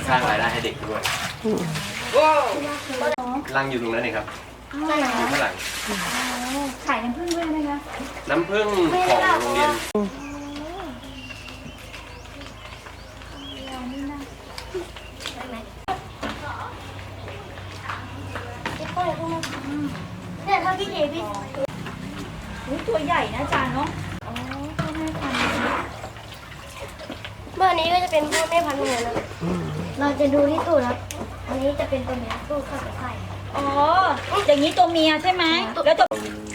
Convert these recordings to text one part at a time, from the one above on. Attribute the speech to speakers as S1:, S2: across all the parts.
S1: สร้างรายได้ให้เด็กด้วยรังอยู่ตรงนั้นเองครับอยู่ข้างหลัง
S2: ขายน้ำผึ้งด้วยไหมคะ
S1: น้ำผึ้งของโรงเรียน
S2: เนี่ยถ้าพี่เอพี่ตัวใหญ่นะอาจารย์เนาะอ๋อพ่อแม่พันธุ์เมื่อนี้ก็จะเป็นพ่อแม่พันธุ์เหมือนกันเราจะดูที่ตูดครับอันนี้จะเป็นตัวเมียตูดเข้ากับไข่อ๋ออย่างนี้ตัวเมียใช่ไหมแล้วตัว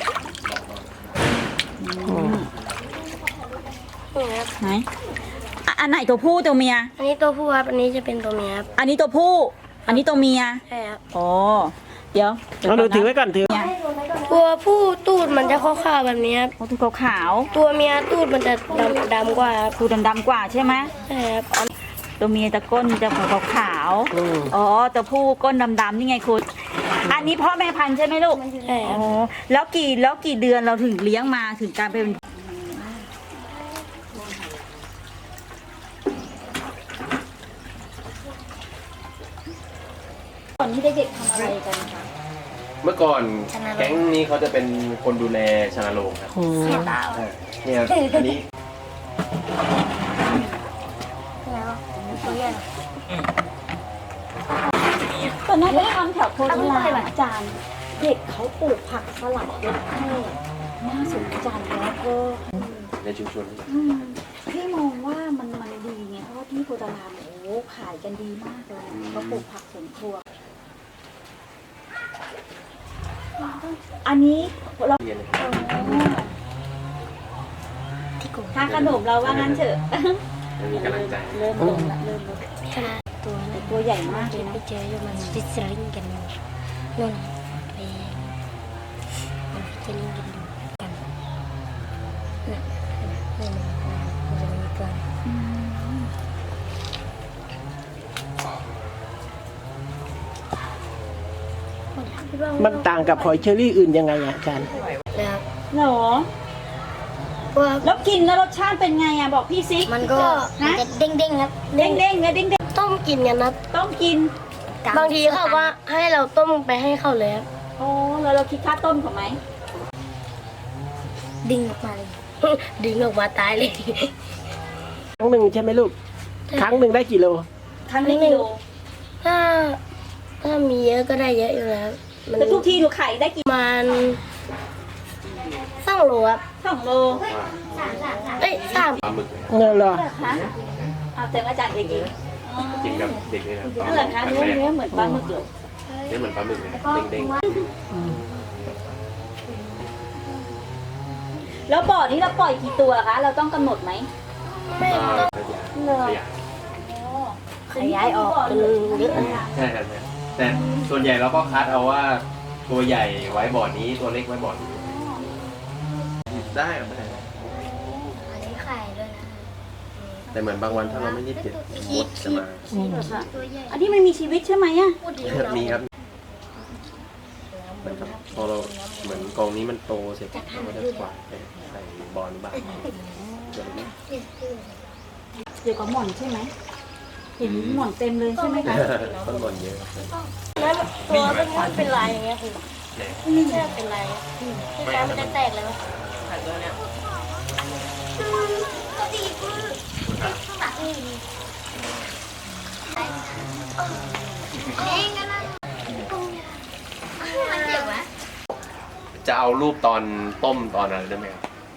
S2: ไหนอันไหนตัวผู้ตัวเมียอันนี้ตัวผู้ครับอันนี้จะเป็นตัวเมียครับอันนี้ตัวผู้อันนี้ตัวเมียใช่ครับอ๋อเดี๋ยว
S3: เราดูถือไว้ก่อนถือ
S2: ตัวผู้ตูดมันจะขาวๆแบบนี้ครับตัวขาวตัวเมียตูดมันจะดำกว่าตูดดำกว่าใช่ไหมใช่ครับตัวเมียตะก้นจะขาวอ๋อตัวผู้ก้นดำๆนี่ไงคุณอันนี้พ่อแม่พันธุ์ใช่ไหมลูกใช่อ๋อแล้วกี่เดือนเราถึงเลี้ยงมาถึงการเป็นก่อนที่เด็กๆทำอะไรกันคะ
S1: เมื่อก่อนแก๊งนี้เขาจะเป็นคนดูแลชนาโรงครับเนี่ยอันนี้
S2: ตอนนั้นไปทำแถวโคราชอาจารย์เด็กเขาปลูกผักสลัดเยอะให้น่าสนใจแล้วก็
S1: ในชุมชน
S2: พี่มองว่ามันดีไงเพราะว่าที่โพธารามโอ้ขายกันดีมากเลยเขาปลูกผักสวนครัวอันนี้เราทานขนมเราว่างั้นเถอะ
S1: มีกำลังใจ
S2: เริ่มตัวใหญ่มากเลยนะ
S4: ไปเจออยู่มันฟิชเชอร์ลิงกันนู่นไปฟิชเชอร์ลิงกันน่ะนี่มันจะมีตัว
S3: มันต่างกับหอยเชอรี่อื่นยังไงอาจารย์
S2: หรอแล้วกินแล้วรสชาติเป็นไงอ่ะบอกพี่ซิ
S4: มันก็จะเด้งๆครับ
S2: เด้งเลยเด้ง
S4: ต้มกินกันนะ
S2: ต้มกิน
S4: บางทีเขาว่าให้เราต้มไปให้เขาเลยครับ
S2: โอ้แล้วเราคิดค่าต้มเขาไหม
S4: ดึงออกมาเลยดึงออกมาตายเลย
S3: ครั้งหนึ่งใช่ไหมลูกครั้งหนึ่งได้กี่โล
S2: ครั้งนี้กิโล
S4: ถ้ามีเยอะก็ได้เยอะอยู่แล้ว
S2: แต่ทุกทีหนูขายได้กี่
S4: มัน2 โลครับ
S2: 2 โล
S4: เอ้ย3
S1: ปลาหมึก
S3: เงินเหรอ
S2: เอาแต่อาจารย์เอง
S1: กินกับเด็กเลยนะ
S2: นั่นแหละคะเนื้อเหมือนปลาหมึกเลย
S1: เนื้อเหมือนปลาหมึกเลยเด้ง
S2: แล้วบ่อนี้เราปล่อยกี่ตัวคะเราต้องกำหนดไหม
S4: ไม่ต้องขยายออกเป็นเยอะ
S1: ใช่ครับแต่ส่วนใหญ่เราก็คัดเอาว่าตัวใหญ่ไว้บ่อนี้ตัวเล็กไว้บ่อนี้ได้หรือไม่ได้
S4: อันนี้ไข่ด้วยนะ
S1: แต่เหมือนบางวันถ้าเราไม่รีบเก็บมดจะมา
S2: อันนี้มันมีชีวิตใช่ไหมอ่ะ
S1: มีครับพอเราเหมือนกองนี้มันโตเสร็จเราก็จะกวาดไปใส่บอลบ้าง
S2: เดี๋ยวกับหม่อนใช่ไหมเห็นหม่อนเต็มเลยใช่ไหมคะ
S1: ต้นบอลเยอะ
S4: แล้วตัวมันเป็นลายอย่างเงี้ยคือไม่ใช่เป็นลายที่น้ำมันจะแตกเลยวะ
S1: จะเอารูปตอนต้มตอนอะไรได้ไหมครับ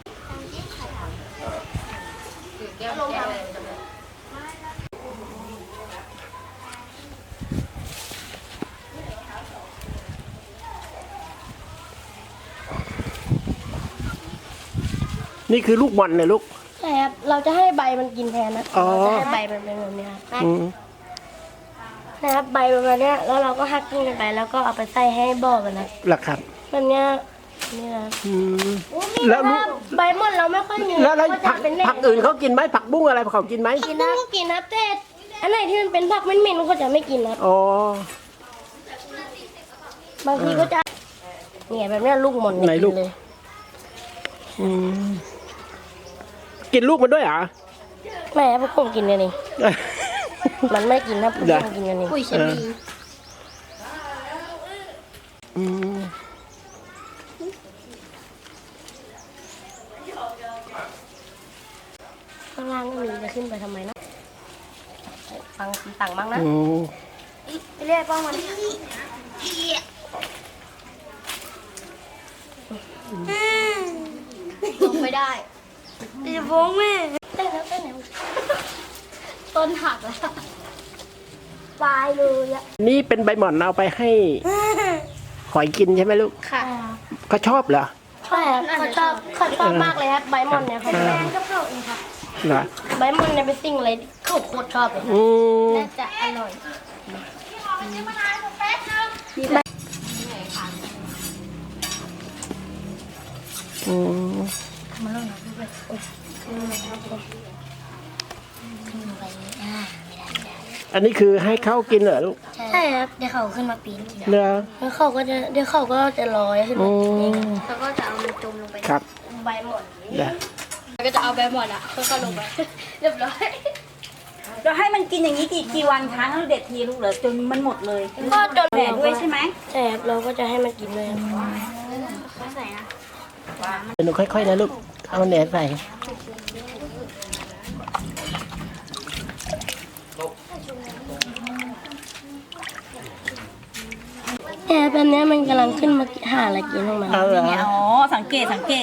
S3: นี่คือลูกบอลเลยลูก
S4: ใช่ครับเราจะให้ใบมันกินแทนนะเราจะให้ใบมันเป็นแบบนี้ครับนะครับใบประมาณนี้แล้วเราก็หักกิ้งกันไปแล้วก็เอาไปใส่ให้บ่อกันนะ
S3: หลักครับ
S4: แบบนี้นี่นะ
S3: แล้ว
S4: ใบมดเราไม่ค่อยมี
S3: แล้วผักอื่นเขากินไหมผักบุ้งอะไรเขากินไหม
S4: กินนะกินนะแต่อันไหนที่มันเป็นผักเหม็นๆเขาจะไม่กินนะ
S3: อ๋
S4: อบางทีก็จะเนี่ยแบบนี้ลูกหม่อน
S3: ไหนลูกเลยกินลูกมันด้วยเหรอ
S4: แม่ผมกินเลยนี่มันไม่กินนะผม
S3: เหรอ
S4: กินกันนี่ปุ๋ยเคมี
S3: อืม
S4: ข้างล่างก็มีจะขึ้นไปทำไมนะฟังคำสั่งบ้างนะ
S3: อืม
S4: ไปเรียกป้องมันลงไม่ได้อย่าฟ้องแม่เต้นแล้วเต้นแล้วต้นหักแล้วตายเลยอะ
S3: นี่เป็นใบหม่อนเอาไปให้หอยกินใช่ไหมลูก
S4: ค่ะ
S3: เขาชอบเหรอ
S4: ใช่ครับเขาชอบมากเลยครับใบมอนเนี่ยเขาแม่ก็เข้าเองครับ
S3: เหรอ
S4: ใบมอนเนี่ยเป็นสิ่งอะไรที่เขาโคตรชอบเลยครับ
S3: อืม
S4: น่าจะอร่อย
S3: อืมอันนี้คือให้เขากินเหรอลูก
S4: ใช่ครับเดี๋ยวเขาขึ้นมาปีนกิน
S3: เหรอ
S4: แล้วเขาก็จะเดี๋ยวเขาก็จะลอยขึ้น
S3: อื
S4: มากินเอง
S3: ม
S4: แล้วก็จะเอามันจมลงไป
S3: ครับ
S4: ใบหมอน
S3: เดี๋ยว
S4: แล้วก็จะเอาใบหมอนอ่ะค่อยๆลงไปเรียบร้อย
S2: เราให้มันกินอย่างนี้กี่วันครั้งเราเด็ดทีลูกเหรอจนมันหมดเลย
S4: ก็จน
S2: แหน่ด้วยใช่ไหม
S4: ใช่ครับเราก็จะให้มันกินด้วยครับใส่นะ
S3: เดี๋ยวหนูค่อยๆนะลูก เอาแหนใส่
S4: แต่แบบนี้มันกำลังขึ้นมาหาอะไรกินของมัน
S3: เอาเหรอ
S2: เนี่ยอ๋อสังเกต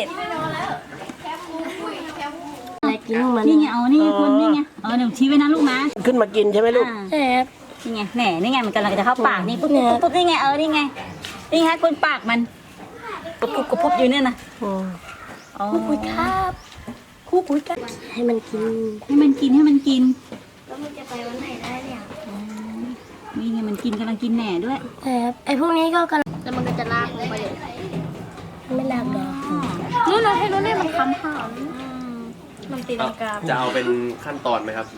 S4: อะไรกินของมัน
S2: นี่ไงนี่ไงคุณนี่ไงหนูชี้ไว้นะลูกนะ
S3: ขึ้นมากินใช่ไหมลูก
S4: ใช่ครับ
S2: นี่ไงแหน่นี่ไงมันกำลังจะเข้าปากนี่ปุ๊บนี่ไงนี่ไงนี่ฮะคุณปากมันปุ๊บอยู่เนี่ยนะ
S3: อืม
S2: อ๋อ
S4: ปุ๋ยครับคู่ปุ๋ยครับให้มันกิน
S2: ให้มันกิน
S4: แล้วมันจะไปวันไหนได้เนี่ย
S2: นี่ไงมันกินกำลังกินแหน่ด้วย
S4: ใช่ครับไอ้พวกนี้ก็กำลังแล้วมันก็จะลากลงไปเลยไม่ลากหรอกนู่นเราให้นู่นนี่มันค้ำหามมันตีลังกา
S1: จะเอาเป็นขั้นตอนไหมครับแบบ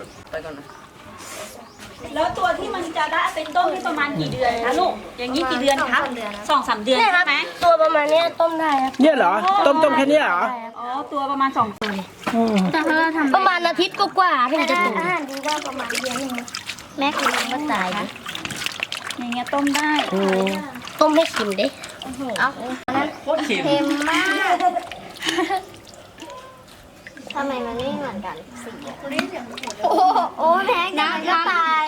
S2: แล้วตัวที่มันจะได้เป็นต้มที่ประมาณกี่เดือนคะลูกอย่างนี้กี่เดือนครับ2-3 เดือน
S4: เนี่ยค
S2: ใช่
S4: รับ
S2: ไหม
S4: ตัวประมาณเนี้ยต้มได้ครับ
S3: เนี่ยเหรอ ต้มแค่เนี้ยเหรอ
S2: อ๋อตัวประมาณ2 ตัว
S3: อืม
S4: แต่ถ้าเราทำประมาณอาทิตย์กว่าๆถึงจะโตอาหารดีก็ประมาณเดือนนึงแม่คุณก็ตายดิ
S2: อย่างเงี้ยต้มได้
S3: อืม
S4: ต้มให้กินดิเอา
S1: โคตรเค็ม
S4: เค็มมากทำไมมันไม่เหมือนกันสีโอ้แม่งก็ตาย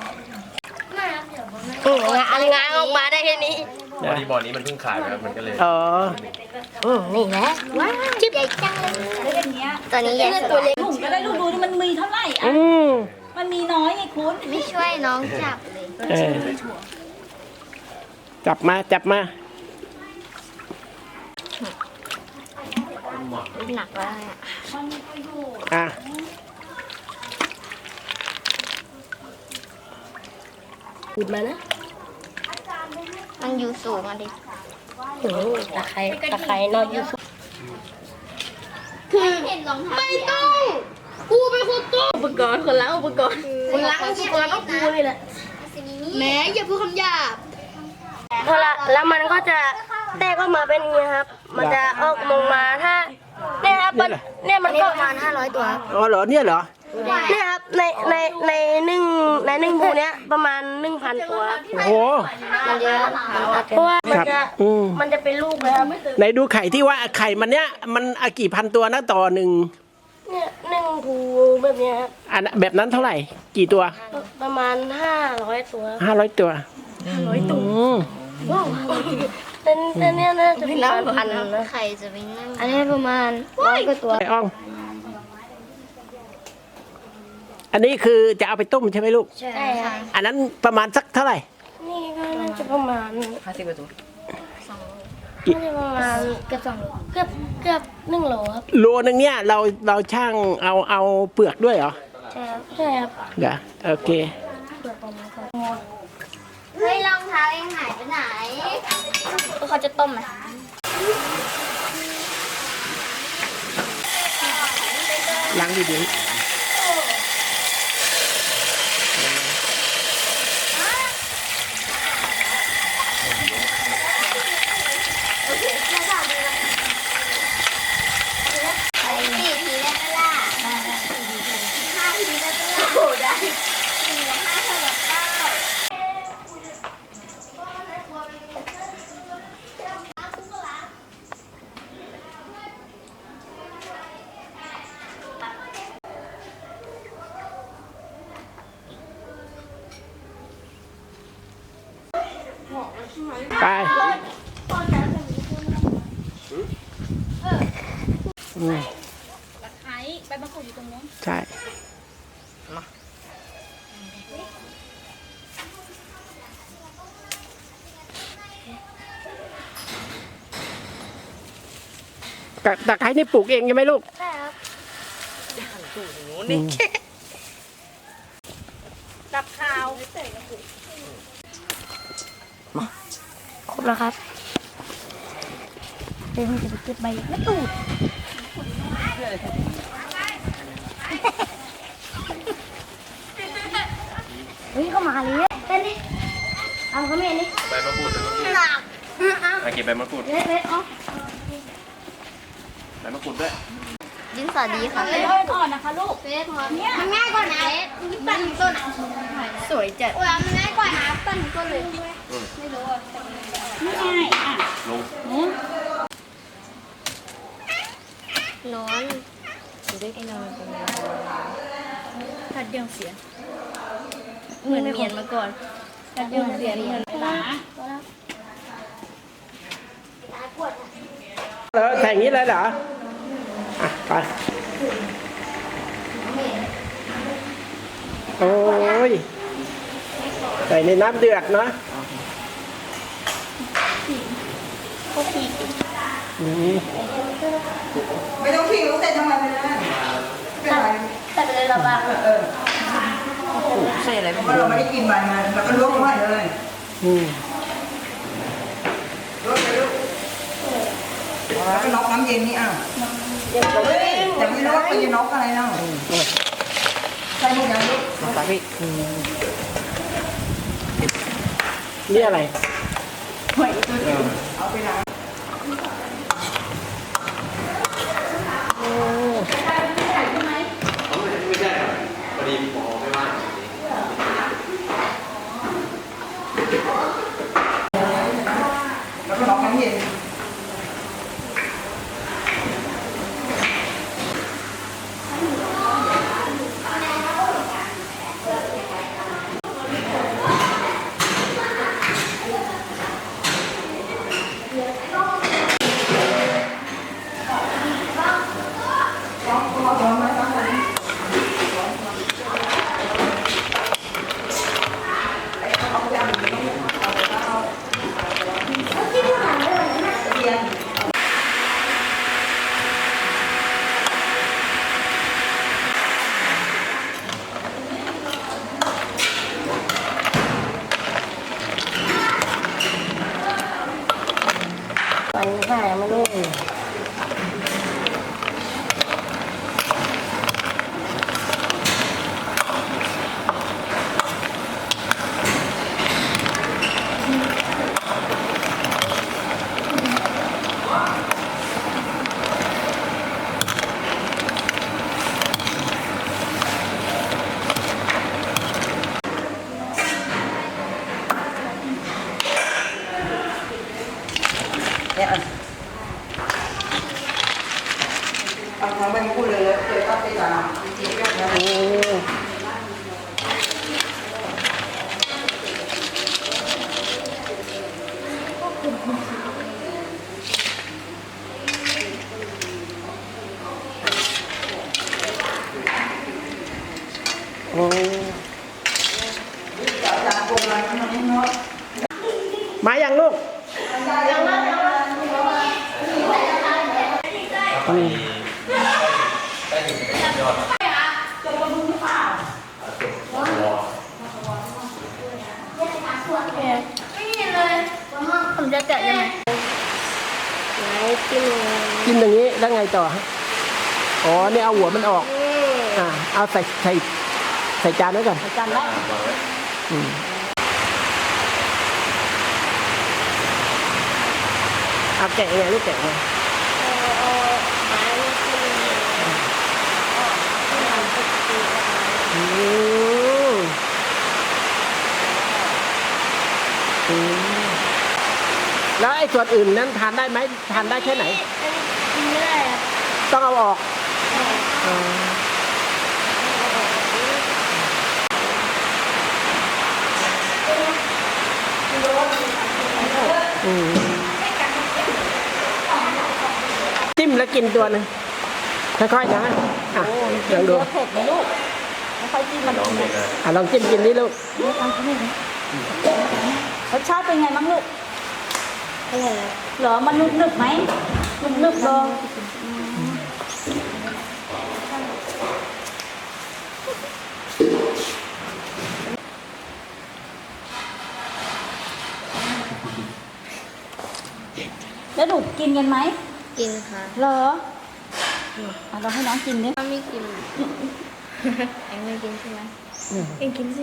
S4: งาออกมาได้แค่นี้
S1: บ่อนี้มันเพิ่งขายนะครับมันก็เลย
S3: อ๋อ
S4: นี่แหละว้าวจิ๊บใหญ่จังเลย
S2: แล้วอย่างเงี้ย
S4: ตัวนี้ใหญ่ตัวเล็ก
S2: ถุงก็ได้ลูกดูดิมันมีเท่าไหร่อ่ะ
S3: อืม
S2: มันมีน้อยไงคุณ
S4: ไม่ช่วยน้องจับเลย
S3: เออจับมา
S4: หนักแล้วเนี่ย
S3: อ่ะ
S4: หยิบมานะ
S5: มันอยู่สูงอ่ะดิ
S4: ตะไคร้นอนอยู่สุด
S5: เห็นรองเท้า
S4: ไม่ต้องกูเป็นคนต้มอุปกรณ์คนล้างอุปกรณ์คนล้างอุปกรณ์ก็กูนี่แหละ
S5: แม้อย่าพูดคำหยาบ
S4: พอละแล้วมันก็จะแตกออกมาเป็นอย่างนี้ครับ มันจะออกมาถ้าเนี่ยครับมันเนี่ยมันก็ประมาณ500 ตัวครับ
S3: อ๋อเหรอ เนี่ยเหรอ
S4: เนี่ยครับในหนึ่งบูเนี้ยประมาณ 1,000 ตัวครับ
S3: โอ้โห
S4: มันเยอะเพราะว่ามัน
S3: ครั
S4: จะ
S3: บอืม
S4: มันจะเป็นลูกเลยครับ
S3: ไหนดูไข่ที่ว่าไข่มันเนี้ยมันกี่พันตัวนะต่อหนึ่ง
S4: เนี่ย1 ภูแบบเนี้ยครับ
S3: อันแบบนั้นเท่าไหร่ กี่ตัว
S4: ประมาณ500 ตัว
S3: 500 ตัว
S4: 500 ตัว
S3: อืม
S4: แต่เนี่ยน่าจะประมาณพันนะ
S5: ใครจะไปนั่ง
S4: อันนี้ประมาณ100 กว่าตัว
S3: ไอ้อ่อง อันนี้คือจะเอาไปต้มใช่ไหมลูก
S4: ใช่ครับ
S3: อันนั้นประมาณสักเท่าไหร่
S4: นี่ก็น่าจะประมาณ
S3: กี่
S4: น่าจะประมาณเกือบ2 โลเกือบ1 โลครับ
S3: โลนึงเนี่ยเราช่างเอาเปลือกด้วยเหรอ
S4: ใช่ครับใช่ครับ
S3: เดี๋ยวโอเค
S4: เปลือกออกมาก่อน
S5: เฮ้ยรองเท้าเองหายไปไหน
S4: เขาจะต้มไหม
S3: ล้างดี
S5: ไป4 ทีได้ปะล่ะ5 ทีได้ปะล่ะโอ้ได้
S3: ไปอืม
S2: ตะไคร้ใบมะกรูดอยู่ตรงนู้น
S3: ใช่ตะไคร้นี่ปลูกเองใช่ไหมลูก
S4: ใช่ครับ
S2: กับข้าว
S4: ครบแล้วครับเดี๋ยวผมจะไปเก็บใบมะกรูดเฮ้ยเข้ามาเลยเต้นดิเอาเขาไม่เห็นดิ
S1: ใบมะกรูด
S4: หนักเอา
S1: เก็บใบมะกรูด
S4: เล็ดๆเอา
S1: ใบมะกรูดด้วย
S5: ดินสอดีค่ะ
S2: เป็นต้นอ่อนนะคะลูก
S5: เฟสพร้อมมันง่ายกว่านะนี่ปั่นถึงต้นอ่ะ
S2: สวยจัด
S5: โอ้ยมันง่ายกว่านะปั่นถึงต้นเลย ไม่รู้อ่ะ
S2: ไม่ง่ายอ่ะ
S1: ลง
S5: นอนไอ้นอนเป็นไง
S2: ผัดเดียวเสีย เหมือนเมียนมาก่อนผัดเดียวเสียเหมือนหมา
S3: ใส่อย่างนี้เลยเหรออ่ะไปโอ้ยใส่ในน้ำเดือดเนาะอืม
S6: ไม่ต้องทิ้งลูกเส้นทำไมไม่ได้ไม่เป็นไร
S4: แต่ไปเลยเราบ้าง
S2: ใส่อะไร
S6: เพราะเราไม่ได้กินมันมันแล้วก็ลวกไว้เลย
S3: อืม
S6: ลวกเลยลูกแล้วก็น็อกน้ำเย็นนี่อ้าวแต่ไม่รู้ว่ามันจะน็อกอะไรเนาะใส่หมดยังลูก
S3: นี่อะไร
S6: เอาไปล้าง
S1: ไม่ใช่พอดีหมอไม่ว่าง
S6: แล้วก็น็อกน้ำเย็น
S4: มันหายมันลูก
S6: เนี่ยเอาทั้งใบมะกรูดเลยเคยตัดไปจานจริงๆแบบนี้
S3: โอ้โอ้
S6: จานโบราณมันไม่น้อย
S3: มาอย่างลูกอืม
S4: ผมจะแกะยังไงไหนกิน
S3: กินอย่างนี้แล้วไงต่อฮะอ๋อเนี่ยเอาหัวมันออก เอาใส่จานไว้ก่อน
S2: จานละ
S3: อืมเอาแกะยังไงลูกแกะยังไง
S4: เอาไม้มากิน
S3: อืมอืมแล้วไอ้ส่วนอื่นนั้นทานได้ไหมทานได้แค่ไหน
S4: กินไม่ได้ครับ
S3: ต้องเอาออกอ๋อจิ้มแล้วกินตัวหนึงค่อยๆนะอ่ะลองดู
S2: เผ็ดไหมลูกไม่ค่อยกินมัน
S1: น้องเด็กนะ
S3: ลองจิ้มกินนี่ลูก
S2: รสชาติเป็นไงบ้างลูก
S4: อร่อยครับ
S2: เหรอมันนึบๆไหมนึบๆลองแล้วหนูกินกันไหม
S5: กินค่ะ
S2: เหรอเอาเราให้น้องกินดิ
S5: ถ้าไม่กินเอ็งไม่กินใช่ไหมเอ็งกินสิ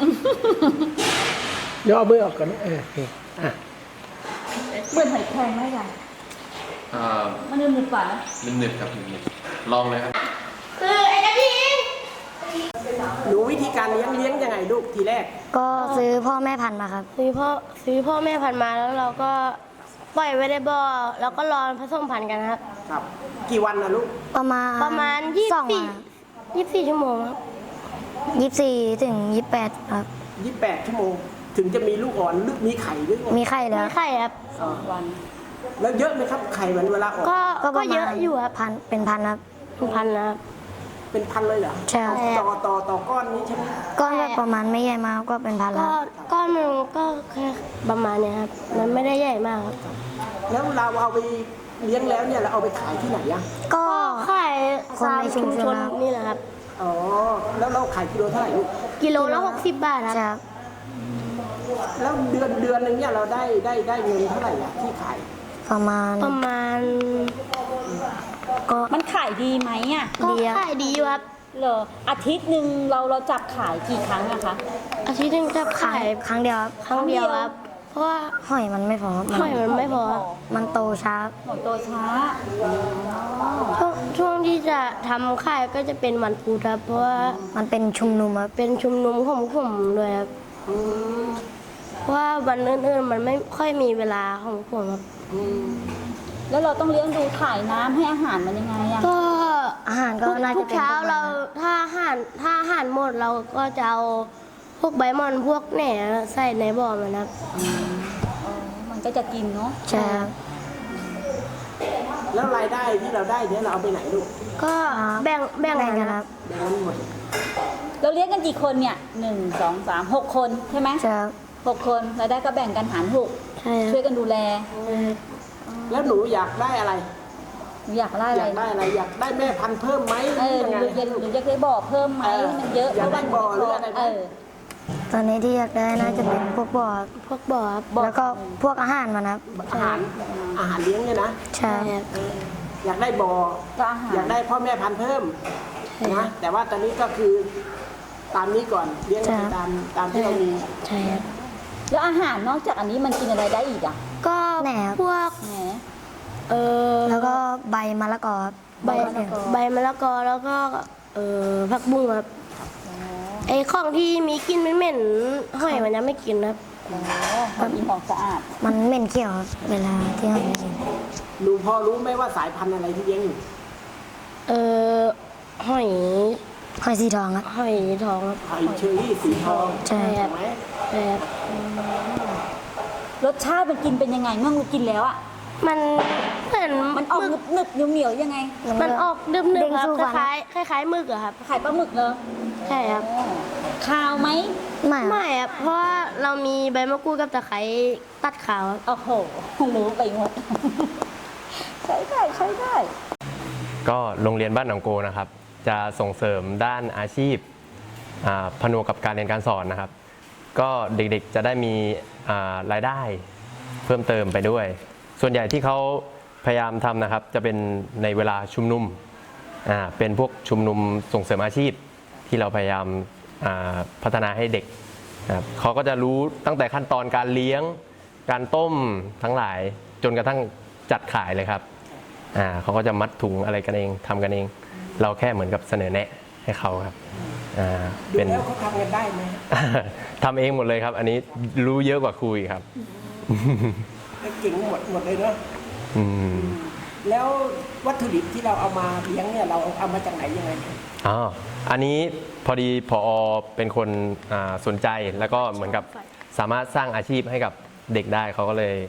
S3: เดี๋ยวเอามือออกก่อนนะโอเคอ่ะ
S2: เบื่อหอยแครงไหมจ๊ะมันนึบๆกว่านะ
S1: หนึบๆครับหนึบๆลองเลยครับ
S4: คือไอ้กะทิ
S3: หนูวิธีการเลี้ยงยังไงลูกทีแรก
S7: ก็ซื้อพ่อแม่พันธุ์มาครับ
S4: ซื้อพ่อแม่พันธุ์มาแล้วเราก็ปล่อยไว้ในบ่อแล้วก็รอผสมพันธุ์กันครับ
S3: ครับ กี่วันนะลูก
S7: ประมาณ
S4: 24
S7: สองวัน
S4: 24 ชั่วโมงครับ
S7: 24 ถึง 28 ครับ
S3: 28 ชั่วโมง ถึงจะมีลูกอ่อนหรือมีไข่หรือไง
S7: มีไข่แล้ว
S4: ไม่ไข่ครับ
S3: แล้วเยอะไหมครับไข่มันเวลาออก
S4: ก็เยอะอยู่ครับ
S7: พันเป็นพันครับ
S4: พันนะครับ
S3: เป็นพันเลยเหรอ
S7: ใช่ครับ
S3: ต่อก้อนนี้ใช่ไหม
S7: ก้อนแบบประมาณไม่ใหญ่มากก็เป็นพัน
S4: ก็
S7: แล้ว
S4: ก้อนหนึงก็แค่ประมาณเนี้ยครับ มันไม่ได้ใหญ่มากครับ
S3: แล้วเราเอาไปเลี้ยงแล้วเนี่ยเราเอาไปขายที่ไหนอะ
S7: ก็
S4: ขาย
S7: คน
S4: ตาม
S7: ในชุ
S4: ชุ
S7: ม
S4: ม
S7: ช
S4: ช
S7: น
S4: น
S7: ครับ
S4: นี่แหละครับ
S3: อ๋อ แล้วเราขายกิโลเท่าไหร่ลูก
S4: กิโลละ60 บาทครับ
S7: ใช่ครับ
S3: แล้วเดือนหนึงเนี่ยเราได้เงินเท่าไหร่อะที่ขาย
S7: ประมาณ ก็
S2: มันขายดีไหมอ่ะ
S4: ก็
S7: ดีครับ
S4: ขายดีอยู่ครับ
S2: เหรออาทิตย์หนึ่งเราจับขายกี่ครั้งอะคะ
S4: อาทิตย์หนึงจะ
S7: ขายครั้งเดียวครับ
S4: ครั้งเดียวครับ เพราะว่า
S7: หอยมันไม่พอครับ
S4: หอยมันไม่พอครับ
S7: มันโตช้า
S2: หอยโตช้า
S4: ช่วงที่จะทำค่ายก็จะเป็นวันพุธครับ เพราะว่า
S7: มันเป็นชุมนุมครับ
S4: เป็นชุมนุมของผมด้วยครับเพราะว่าวันอื่นๆมันไม่ค่อยมีเวลาของผมครับ
S2: แล้วเราต้องเลี้ยงดูถ่ายน้ำให้อาหารมันยังไงอะ
S4: ก็
S7: อาหารก็น่า
S4: ทุ
S7: จะ
S4: ก
S7: เป็น
S4: เช้า
S7: พวก
S4: เราถ้าอาหารหมดเราก็จะเอาพวกใบมอนพวกแหน่ใส่ในบ่อมันครับ
S2: มันก็จะกินเนาะ
S7: ใช่ครับ
S3: แล้วรายได้ที่เราได้เนี่ยเราเอาไปไหนลูก
S4: ก็แบ่ง
S7: แบ่ง
S4: กัน
S7: กัน
S4: ค
S7: ค
S4: รั
S7: รับ บ
S3: แบ่งกันหมด
S2: เราเลี้ยงกันกี่คนเนี่ย1 2 3 6 คนใช่ไหม
S7: ใช่ครับ
S2: 6 คนรายได้ก็แบ่งกันหาร6
S4: ใช่ค
S2: ช่
S4: รั
S2: วย
S4: บ
S2: กันดูแล
S3: แล้วหนูอยากได้อะไร
S2: หนูอยากได้
S3: อ
S2: อะไร
S3: ยากได้อะไร อยากได้แม่พันธุ์เพิ่มไหมห
S2: เอ
S3: รือ
S2: อ
S3: ยัง
S2: หนู
S3: ไง
S2: อยากได้บ่อเพิ่มไหมให้มันเยอะ
S3: อยากได้บ่อหรืออะไรไหม
S7: ตอนนี้ที่อยากได้น่าจะเป็นพวกบ่อครับ
S4: พวกบ่อครับ
S7: แล้วก็พวกอาหารมันครับ
S3: อาหารเลี้ยงเนี่ยนะ
S7: ใช่ครับ
S3: อยากได้บ่อ
S2: ก็อาหาร
S3: อยากได้พ่อแม่พันธุ์เพิ่มนะแต่ว่าตอนนี้ก็คือตามนี้ก่อนเลี้ยงไปตามที่เรามี
S4: ใช่ครับ
S2: แล้วอาหารนอกจากอันนี้มันกินอะไรได้อีกอ่ะ
S4: ก็
S7: แหน่ครับ
S4: พวก
S2: แหม
S7: แล้วก็ใบมะละกอครับ
S4: ใบมะละกอแล้วก็ผักบุ้งครับไอ้ของที่มีกลินเหม็นๆหอยมันยังไม่กินครับ
S2: มันมีของสะอาด
S7: มันเหม็นเขียวครับเวลาที่เราไม่กิน
S3: หนูพอรู้ไหมว่าสายพันธุ์อะไรที่เลี้ยงอยู่
S4: หอย
S7: หอยสีทองครับ
S4: หอยทองครับ
S3: หอยเชอรี่สีทอง
S7: ใช่ครับ
S3: ไหม
S4: ใช่ครับ
S2: รสชาติมันกินเป็นยังไงเมื่อกินแล้วอ่ะ
S4: มันเหมือน
S2: มันออกหนึบๆเหนียวๆยังไง
S4: มันออกดึบ
S7: เด้ง
S4: ๆครับ
S7: สู้
S4: ค
S7: ฟัน
S4: ล้ายๆหมึกอะครับ
S2: ขายปลาหมึกเลย
S4: ใช่ครับ
S2: คาวไหม
S7: ไม่ครับ
S4: ไม่ครับเพราะว่าเรามีใบมะกรูดกับตะไคร้ตัดขาวครับ
S2: โอ้โหรู้ไปหมด ใช้ได้
S1: ก็โรงเรียนบ้านหนองโกนะครับ จะส่งเสริมด้านอาชีพผนวกกับการเรียนการสอนนะครับ ก็เด็กๆจะได้มีรายได้เพิ่มเติมไปด้วย ส่วนใหญ่ที่เขาพยายามทำนะครับ จะเป็นในเวลาชุมนุมเป็นพวกชุมนุมส่งเสริมอาชีพที่เราพยายามพัฒนาให้เด็กนะครับเขาก็จะรู้ตั้งแต่ขั้นตอนการเลี้ยงการต้มทั้งหลายจนกระทั่งจัดขายเลยครับเขาก็จะมัดถุงอะไรกันเองทำกันเอง เราแค่เหมือนกับเสนอแนะให้เขาครับ
S3: ดูแล้วเขาทำกันได้ไหม
S1: ทำเองหมดเลยครับ อันนี้รู้เยอะกว่าครูอีกครับ
S3: เก่งหมดเลยเนาะ
S1: อืม
S3: แล้ววัตถุดิบที่เราเอามาเลี้ยงเนี่ยเราเอามาจากไหนยังไง
S1: อ๋ออันนี้พอดีผอเป็นคนสนใจแล้วก็เหมือนกับสามารถสร้างอาชีพให้กับเด็กได้เขาก็เลย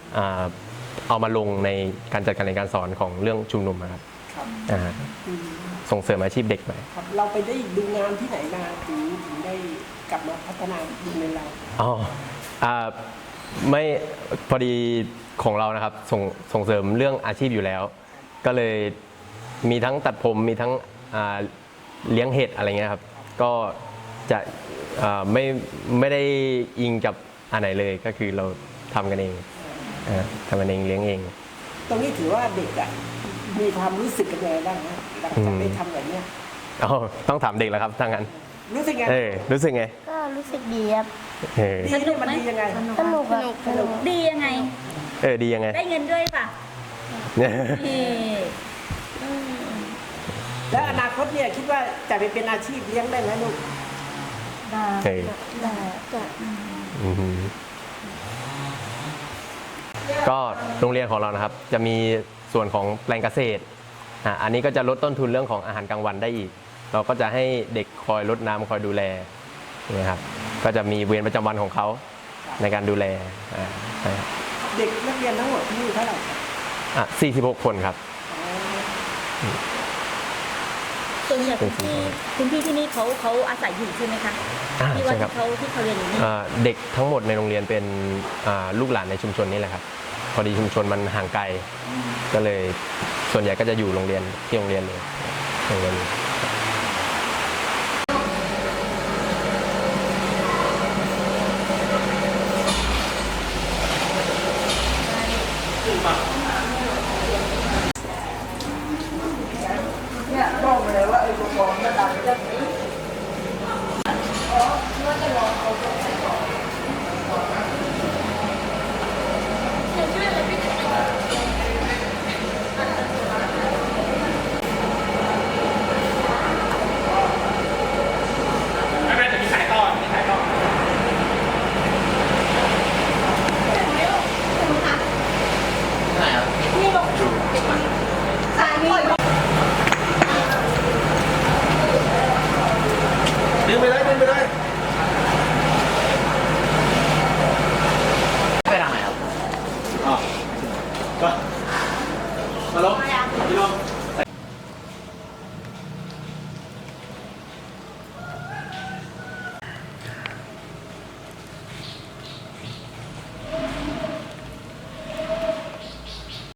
S1: เอามาลงในการจัดการเรียนการสอนของเรื่องชุมนุมอะครับส่งเสริมอาชีพเด็กไป
S3: ครับเราไปได้ดูงานที่ไหนมาถึงได้กลับมาพัฒนาโรงเรียนเรา
S1: อ๋อไม่พอดีของเรานะครับส่งเสริมเรื่องอาชีพอยู่แล้ว ก็เลยมีทั้งตัดผมมีทั้งเลี้ยงเห็ดอะไรเงี้ยครับก็จะไม่ได้อิงกับอันไหนเลยก็คือเราทำกันเองทำกันเองเลี้ยงเอง
S3: ตรงนี้ถือว่าเด็กอ่ะมีความรู้สึกกันยังไงบ้างฮะหลังจากได้ทำแบบเนี้ย
S1: อ๋อต้องถามเด็กแล้วครับถ้างั้น
S3: รู้สึกไง
S1: รู้สึกไง
S4: ก็รู้สึกดีครับ
S3: ดีเนี่ยมันดียังไง
S4: สนุกครับสนุก
S2: ดียังไง
S1: ดียังไง
S2: ได้เงินด้วยป่ะนี่
S3: แล้วอนาคตเนี่ยคิดว่าจะไปเป็นอาชีพเลี้ยงได้ไหมลูก
S1: อือหือก็โรงเรียนของเรานะครับจะมีส่วนของแปลงเกษตรอันนี้ก็จะลดต้นทุนเรื่องของอาหารกลางวันได้อีก เราก็จะให้เด็กคอยรดน้ำคอยดูแลนะครับก็จะมีเวรประจำวันของเขาในการดูแลใช่ครับ
S3: เด็กนักเรียนทั้งหมดที่นี่เท่าไหร่
S1: 46 คนครับ
S2: ส่วนใหญ่พื้นที่ที่นี่เขาอาศัยอยู่ใช่ไหมคะที่ว่า
S1: ใช่ครับ
S2: ที่เขาเรียนอยู่นี่
S1: เด็กทั้งหมดในโรงเรียนเป็นลูกหลานในชุมชนนี่แหละครับพอดีชุมชนมันห่างไกลก็เลยส่วนใหญ่ก็จะอยู่โรงเรียนที่โรงเรียนเลยโรงเรียนนี้
S3: บอกเลยว่าไอ้ตัวมันดังจะดึงไปเลยไปทางไหนครับอ๋อก็มาลงพี่ลง